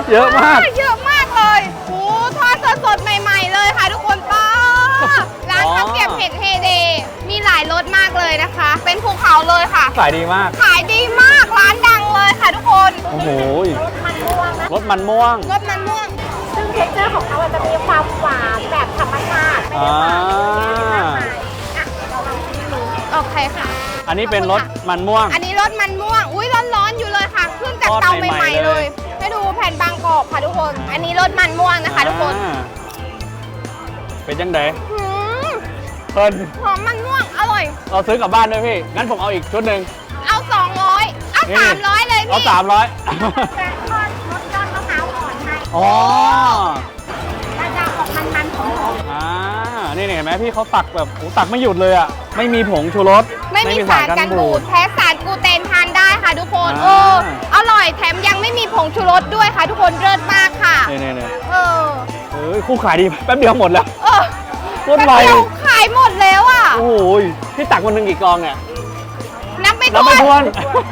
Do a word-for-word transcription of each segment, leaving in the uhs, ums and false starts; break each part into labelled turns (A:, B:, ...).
A: เยอะมาก
B: เยอะมากเลยโอ้ทอดสดๆใหม่ๆเลยค่ะทุกคนป้าร้านข้าวเกรี๊ยวเผ็ดเฮเดย์มีหลายรสมากเลยนะคะ เป็นภูเขาเลยค่ะ
A: ขายดีมาก
B: ขายดีมากร้านดังเลยค่ะทุกคน
A: โอ้โห
B: รสมันม่วงนะ
A: รสมันม่วง
B: รสมันม่วง
C: ซึ่งเท็กเจอร์ของเขาจะมีความหวานแบบธรรมชาติไม่ได้หวานอ่ะเราลองชิมดู
B: โอเคค่ะ
A: อันนี้เป็นรสมันม่วง
B: อันนี้รสมันม่วงอุ้ยร้อนๆอยู่เลยค่ะขึ้นจากเตาใหม่ๆเลยให้ดูแผ่นบางกรอบค่ะทุกคนอันนี้รสมันม่วงนะคะทุกคน
A: เป็นยังไงเพลิน
B: หอมมันม่วงอร่อย
A: เราซื้อกลับบ้านด้วยพี่งั้นผมเอาอีกชุดหนึ่ง
B: เอาสองร้อยเอาสามร้อยเลยพี่
A: เอาสามร้อย
C: แต่ทอดรสยอดมะพร้าวอ่อนให้
A: อ๋อ
C: มันจะออกมันๆหอม
A: อ่านี่เห็นไหมพี่เขาตักแบบโอ้ตักไม่หยุดเลยอ่ะไม่มีผงชูรส
B: ไม่มีสารกันบูดแพ้สารกลูเตนทานได้ค่ะทุกคนเอออร่อยแถมยังไม่มีผงชูรสด้วยค่ะทุกคนเลิศมากค่ะ
A: นี่นี่นี่
B: เออ
A: เฮ้ยคู่ขายดีแป๊บเดียวหมดแล้ว
B: เออ
A: รถไว
B: ขายหมดแล้วอ่ะ
A: โอ้ยพี่ตักวันหนึ่งกี่กองเนี่ย
B: นับไม่
A: ถ้วนนับไม่ถ้วน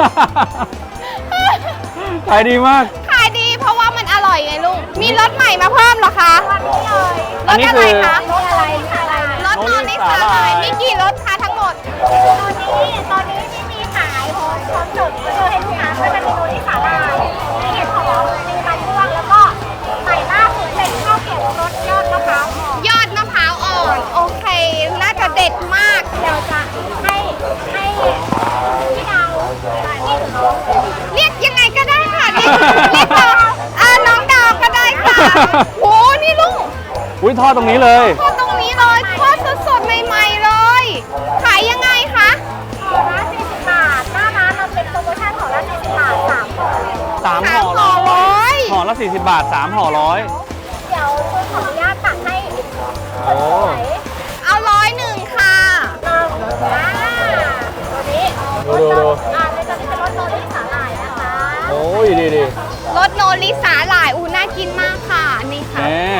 A: ขายดีมาก
B: ขายดีเพราะว่ามันอร่อยไงลุงมีรสใหม่มาเพิ่มเหรอคะรสอะไรคะ
C: รสอะไรอะไร
B: รสนอนนิสาหร่ายมีกี่รสคะทั้งหมด
C: ตอนนี้ตอนนี้ที่มีขายพร้อมพร้อมจบก็คือให้ลูกค้าก็จะมีโนนิสาหร่ายมีเห็ดหอมมีมันม่วงแล้วก็ใหม่ล่าสุดเป็นข้าวเกรี๊ยวรสยอดมะพร้าวอ่อน
B: ยอดมะพร้าวอ่อนโอเคน่าจะเด็ดมาก
C: เดี๋ยวจะให้ให้พี่ดาว
B: เรียกยังไงก็ได้ค่ะเรียกเรียกเราอ่าน้องดาวก็ได้ค่ะโหนี่ลุง
A: อุ้ยทอดตรงนี้เลย
B: ทอดตรงนี้เลยทอดสดๆใหม่ๆเลยขายยังไงคะ
C: ห่อละสี่สิบบาทหน้าร้านเราเป็นโปรโมชั่นห่อละสี่สิบบาทสามห่อ
A: สามห่อร้อยห่อละสี่สิบบาทสามห่อร้อย
C: เดี๋ยวคุณขออนุญาตตักให้
A: โอ้
B: เอาร้อยหนึ่งค่ะ
C: เราอ่าตัวนี้
A: ดูดูดู
C: อ่าเลยจะเป็นรสโนริสาหร่ายนะคะ
A: โอ้ยดีดี
B: รสโนริสาหร่ายอูน่ากินมากค่ะนี่ค่ะ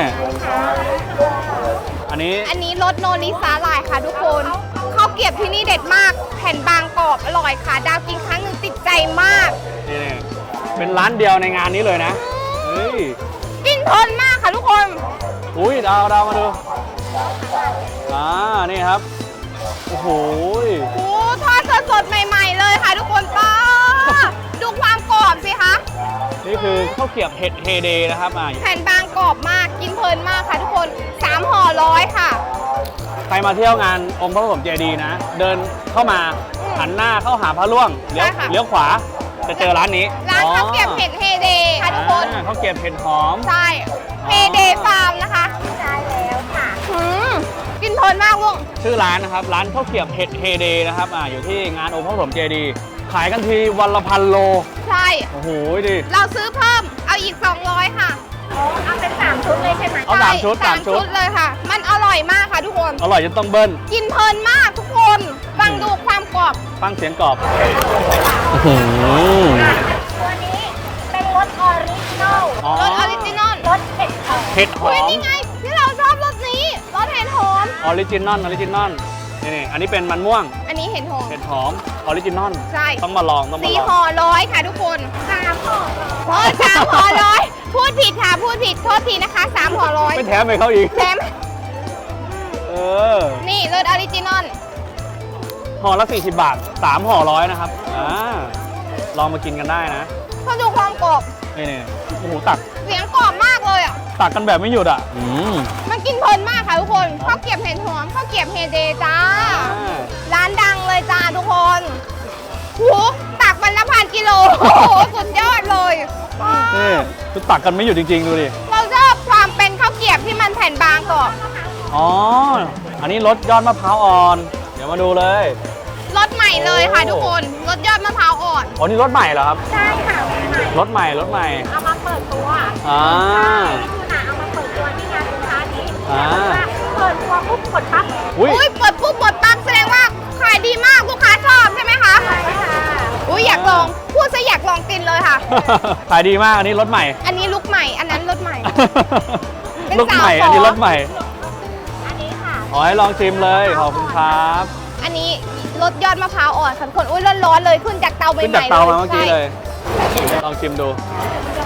A: อันนี้
B: อันนี้รสโนริสาหร่ายค่ะทุกคนข้าวเกรี๊ยวที่นี่เด็ดมากแผ่นบางกรอบอร่อยค่ะดาวกินครั้งหนึ่งติดใจมาก
A: นี่เป็นร้านเดียวในงานนี้เลยนะเฮ้ย
B: กินเพลินมากค่ะทุกคน
A: อุ้ยดาวดาวมาดูอ่านี่ครับโอ้โห
B: โอ้ทอดสดๆใหม่ๆเลยค่ะทุกคนป้าดูความกรอบสิคะ
A: นี่คือข้าวเกรี๊ยวเห็ดเฮเดย์นะครับ
B: แผ่นบางกรอบมากกินเพลินมากค่ะทุกคนสามห่อร้อยค่ะ
A: ใครมาเที่ยวงานองค์พระปฐมเจดีย์นะเดินเข้ามาหันหน้าเข้าหาพระล่วงเลี้ยวเลี้ยวขวาจะเจอร้านนี้
B: ร้านข้าวเกรี๊ยวเผ็ดเฮเดย์ค่ะทุกคน
A: ข้าวเกรี๊ยวเผ็ดหอม
B: ใช่เฮเดย์ฟาร์มนะคะ
C: ใช่แล้วค่ะ
B: กินเพลินมากลุง
A: ชื่อร้านนะครับร้านข้าวเกรี๊ยวเผ็ดเฮเดย์นะครับอ่าอยู่ที่งานองค์พระปฐมเจดีย์ขายกันทีวันละพันโล
B: ใช่
A: โอ้โหดิ
B: เราซื้อเพิ่มเอาอีกสองร้อยค่ะ
C: เอาเป็นสามชุดเลยใช่ไหม
A: เอาสามชุด
B: สามชุดเลยค่ะมันอร่อยมากค่ะทุกคน
A: อร่อยจนต้องเบิ้ล
B: กินเพลินมากทุกคนฟังดูความกรอบ
A: ฟังเสียงกรอบ
C: ตัวนี้เป็นรสออริจินอล
B: รสออริจินอล
C: รสเผ็ดหอม
A: เผ็ดหอม
B: นี่ไงที่เราชอบรสนี้รสเห็ดหอม
A: ออริจินอลออริจินอลนี่อันนี้เป็นมันม่วง
B: อันนี้เห็ดหอม
A: เห็ดหอมออริจินอล
B: ใช่
A: ต้องมาลองต้องมาลอง
B: สี่ห่อร้อยค่ะทุกคน
C: สามห่อ
B: เออสามห่อร้อยพูดผิดค่ะพูดผิดโทษทีนะคะสามห่อร้อย
A: ไม่แถมไปเขาอีก
B: แถม
A: เออ
B: นี่รสออริจินอล
A: ห่อละสี่สิบบาทสามห่อร้อยนะครับอ่าลองมากินกันได้นะ
B: เขาดูความกรอบ
A: นี่นี่โอ้โหตัก
B: เสียงกรอบมากเลยอ่ะ
A: ตักกันแบบไม่หยุดอ่ะอืม
B: มันกินเพลินมากค่ะทุกคนข้าวเกรี๊ยวเห็ดหอมข้าวเกรี๊ยวเฮเดย์จ้าร้านดังเลยจ้าทุกคนหูตักวันละพันกิโลโอ้โหสุดยอดเลย
A: นี่คือตักกันไม่หยุดจริงๆดูดิ
B: เราชอบความเป็นข้าวเกรี๊ยวที่มันแผ่นบางกรอบ
A: อ๋ออันนี้รสยอดมะพร้าวอ่อนเดี๋ยวมาดูเลย
B: รสใหม่เลยค่ะทุกคนรสยอดมะพร้าวอ่อน
A: อ๋อนี่รสใหม่เหรอครับ
C: ใช่ค่ะ
A: รสใหม่รสใหม่
C: เอามาเปิดตัว
A: อ่า
C: นี่คือหนาเอามาเปิดตัวที่งานสินค้านี้
A: อ่า
C: เปิดตัวปุ๊บกดปั๊บ
B: อุ้ยเปิดปุ๊บกดปั๊บแสดงว่าขายดีมากลูกค้าชอบใช่ไหมคะ
C: ใช่ค่ะ
B: อุ้ยอยากลองพูดซะอยากลองกินเลยค่ะ
A: ขายดีมากอันนี้รสใหม่
B: อันนี้ลุกใหม่อันนั้นรสใหม่
A: รสใหม่อันนี้รสใหม่
C: อันนี้ค่ะ
A: ขอให้ลองชิมเลยขอบคุณครับ
B: อันนี้รสยอดมะพร้าวอ่อนค่ะคนอุ้ยร้อนๆเลยขึ้นจากเตาใหม่ๆ
A: ขึ้นจากเตามาเมื่อกี้เลยลองชิมดู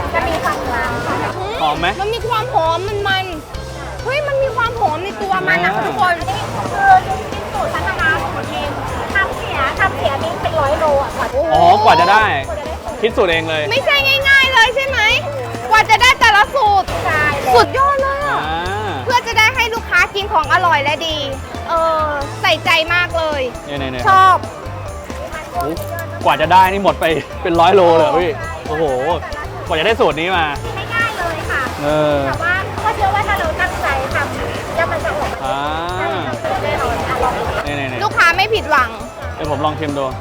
C: จะมีความมันค่ะ
A: หอมไหม
B: มันมีความหอมมันมันเฮ้ยมันมีความหอมในตัวมันนะ
A: อ่า
B: ทุกคน
C: อันนี้คือกินสูตรพัฒนาสูตรเองทำเสียทำเสียนี่เป็นร้อยโลอ่ะกว่าจะ
A: อ๋อกว่าจะได้
C: กว่าจะได้สูตร
A: คิดสูตรเองเลย
B: ไม่ใช่ง่าย ๆ เลยใช่ไหมกว่าจะได้แต่ละสูตร
C: ใช่เลย
B: สุดยอดเลย
A: อ่า
B: อ่ะเพื่อจะได้ให้ลูกค้ากินของอร่อยและดี เออใส่ใจมากเลย
A: เนี่ยเนี่ยเนี่ย
B: ชอบ
A: โอ้กว่าจะได้นี่หมดไปเป็นร้อยโลเลยเหรอพี่ โอ้โห กว่าจะได้สูตรนี้มา
C: ไม่ง่ายเลยค่ะ
A: เออ
C: แต่ว่าก็เชื่อว่าถ้าเราตั้งใจทำแล้วมันจะออกมา
A: อ่า
C: แน่นอนอ่ะลองดู
A: เนี่ยเนี่ยเนี่ย
B: ลูกค้าไม่ผิดหวัง
A: เดี๋ยวผมลองชิมดู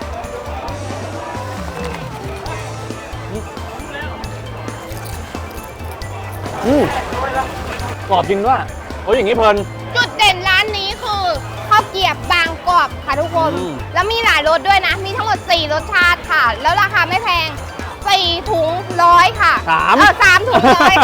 A: อืมกรอบจริงด้วยโอ้ยอย่างนี้เพลิน
B: จุดเด่นร้านนี้คือข้าวเกรียบบางกรอบค่ะทุกคน
A: อืม
B: แล้วมีหลายรสด้วยนะ มีทั้งหมดสี่รสชาติค่ะ แล้วราคาไม่แพงสี่ถุงร้อยค่ะ
A: สาม
B: เออสามถุงร้อย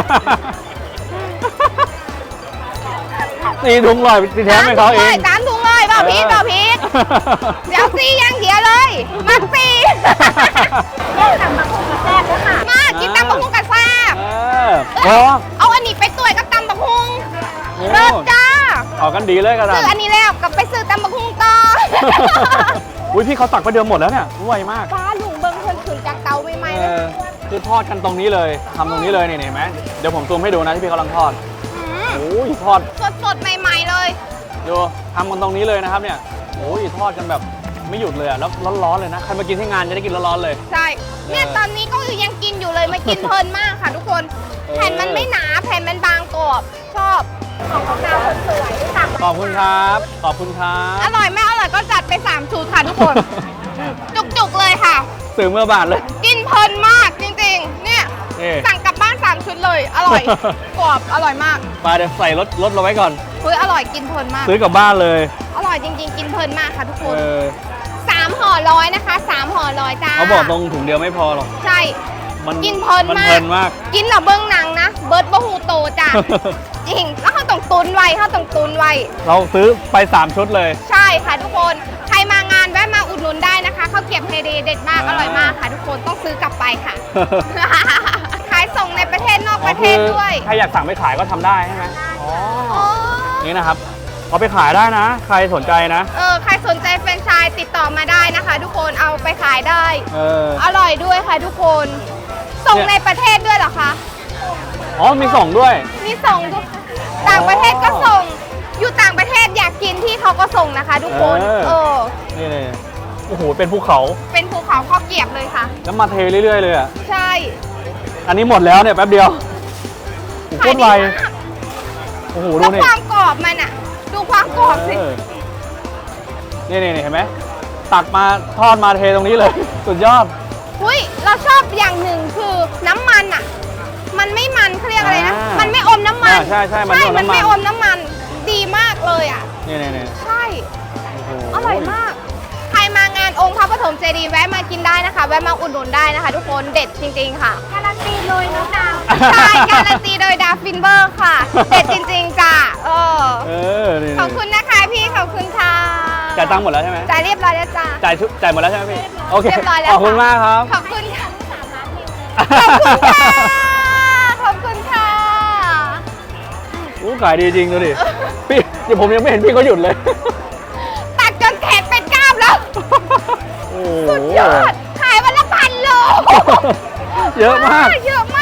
A: ตีถุงลอยตีแท้ให้เขาเอง
B: สามถุงเลยเปล่าพีทเปล่าพีทเดี๋ยวซีอย่างเดียวเลยมักซี
C: แยกทำมาคุกแซ่บด้วยค่ะ
B: มากินตำบักหุ่งกับแซ่บ
A: เออโอ้
B: เอาอันนี้ไปต่วยกับตำบักหุ่ง
A: โอ้
B: เลิศจ้า
A: เอากันดีเลยกัน
B: ซื้ออันนี้แล้วกลับไปซื้อตำบักหุ่งต่อ
A: อุ้ยพี่เขาตักไปเดียวหมดแล้วเนี่ยไวมาก
B: ฟ้าลุงเบิ้งเพิ่นขึ้นจากเตาใหม่ๆ
A: เอ
B: เลย
A: อคือทอดกันตรงนี้เลยทำตรงนี้เลยนี่เห็นไหมเดี๋ยวผมซูมให้ดูนะที่พี่กำลังทอด
B: ม
A: โอ้ยทอด
B: สดๆ ใหม่ๆ เลย
A: ดูทำกันตรงนี้เลยนะครับเนี่ยโอ้ยทอดกันแบบไม่หยุดเลยอะแล้วร้อนๆเลยนะใครมากินที่งานจะได้กินร้อนๆเลย
B: ใช่ เนี่ย
A: เออ
B: ตอนนี้ก็คือยังกินอยู่เลยมากินเพลินมากค่ะทุกคน
A: เออ
B: แผ่นมันไม่หนา แผ่นมันบางกรอบ ชอบ
C: ของของเราคนสวยสั่ง
A: ขอบคุณครับขอบคุณครั
B: อบ ร่อยไม่อร่อยก็จัดไปสามชุดค่ะทุกคน จุกๆ เลยค่ะ
A: สื่อเมื่อบาทเลย
B: กินเพลินมากจริงๆ เนี่ย
A: นี่
B: สั่งกลับบ้านสามชุดเลย อ ร่อย กรอบ อร่อยมาก
A: มาเดี๋ยวใส่รถรถเราไว้ก่อน
B: เฮ้ยอร่อยกินเพลินมาก
A: ซื้อกลับบ้านเลย
B: อร่อยจริงๆ กินเพลินมากค่ะทุกค
A: เอน อ
B: สามห่อร้อยนะคะสามห่อร้อยจ้า
A: เขาบอกตรงถุงเดียวไม่พอหรอก
B: ใช่
A: มัน
B: กินเพลิน
A: มัน
B: มาก
A: เพลินมาก
B: กินเหรอเบิ้งหนังนะ เบิร์ดบะฮูโตจ้ะ จริง แล้วเขาต้องตุนไว้เขาต้องตุนไว้
A: เราซื้อไปสามชุดเลย
B: ใช่ค่ะทุกคน ใครมางานแวะมาอุดหนุนได้นะคะข้าวเกรี๊ยวเฮเดเด็ดมาก
A: อ่า
B: อร่อยมากค่ะทุกคนต้องซื้อกลับไปค่ะ ขายส่งในประเทศนอกประเทศด้วย
A: ใครอยากสั่งไปขายก็ทำได้ใช่ไหมอ๋อ
B: อ๋อ
A: นี่นะครับเอาไปขายได้นะ ใครสนใจนะ
B: เออใครสนใจแฟรนไชส์ติดต่อมาได้นะคะ ทุกคนเอาไปขายได้
A: เออ
B: อร่อยด้วยค่ะทุกคน ส่ง
A: เนี่ย
B: ในประเทศด้วยเหรอคะ
A: อ๋อมีส่งด้วย
B: มีส่งทุกต่างประเทศก็ส่ง อยู่ต่างประเทศอยากกินที่เขาก็ส่งนะคะ ทุกคน
A: เออ
B: เออ
A: นี่เลยโอ้โหเป็นภูเขา
B: เป็นภูเขาข้าวเกรี๊ยวเลยค่ะ
A: แล้วมาเทเรื่อยๆเลยอ่ะ
B: ใช่
A: อันนี้หมดแล้วเนี่ยแป๊บเดียวโอ้โหโคตรไว
B: ขายดีมาก
A: โอ้โหดู
B: แล้ว
A: นี่
B: ความกรอบมันอ่ะ ดูความกรอบสิ
A: เออนี่นี่นี่เห็นไหมตักมาทอดมาเทตรงนี้เลย สุดยอด
B: อุ้ยเราชอบอย่างหนึ่งคือน้ำมันอ่ะ มันไม่มันเขาเรียกอะไรนะ
A: อ่ามั
B: มันไม่อมน้ำมัน
A: อ่าใช่ใช่มันไม่อม
B: มัน
A: น้ำมัน
B: ไม่อมน้ำมัน ดีมากเลยอ่ะ
A: นี่นี่นี่
B: ใช่
A: โอ้โห
B: อร่อยมาก ใครมางานองค์พระปฐมเจดีย์แวะมากินได้นะคะ แวะมาอุดหนุนได้นะคะ ทุกคน เด็ดจริง ๆ ค่ะ
C: การันตีเลยน้องดาว
B: ใช่ การันตีโดยดาฟินเบอร์ค่ะ เด็ดจริง ๆ จ้ะเออ
A: เออนี่
B: ขอบคุณนะคะพี่ขอบคุณค่ะ
A: จ่ายตังค์หมดแล้วใช่ไหม
B: จ่ายเรียบร้อยแล้วจ้า
A: จ่ายชุดจ่ายหมดแล้วใช่ไหมพี่โอเค
B: เรียบร้อยแล้ว
A: ขอบคุณมากครับ
B: ขอบคุณค่ะ ขอบคุณค่ะ ขอบคุณค่ะ
A: อู้ขายดีจริงดูดิ พี่เดี๋ยวผมยังไม่เห็นพี่เขาหยุดเลย
B: ตัดจนแขนเป็นกล้ามแล้ว
A: โอ้โห
B: สุดยอด ขายวันละพันโล
A: เยอะมาก
B: เยอะม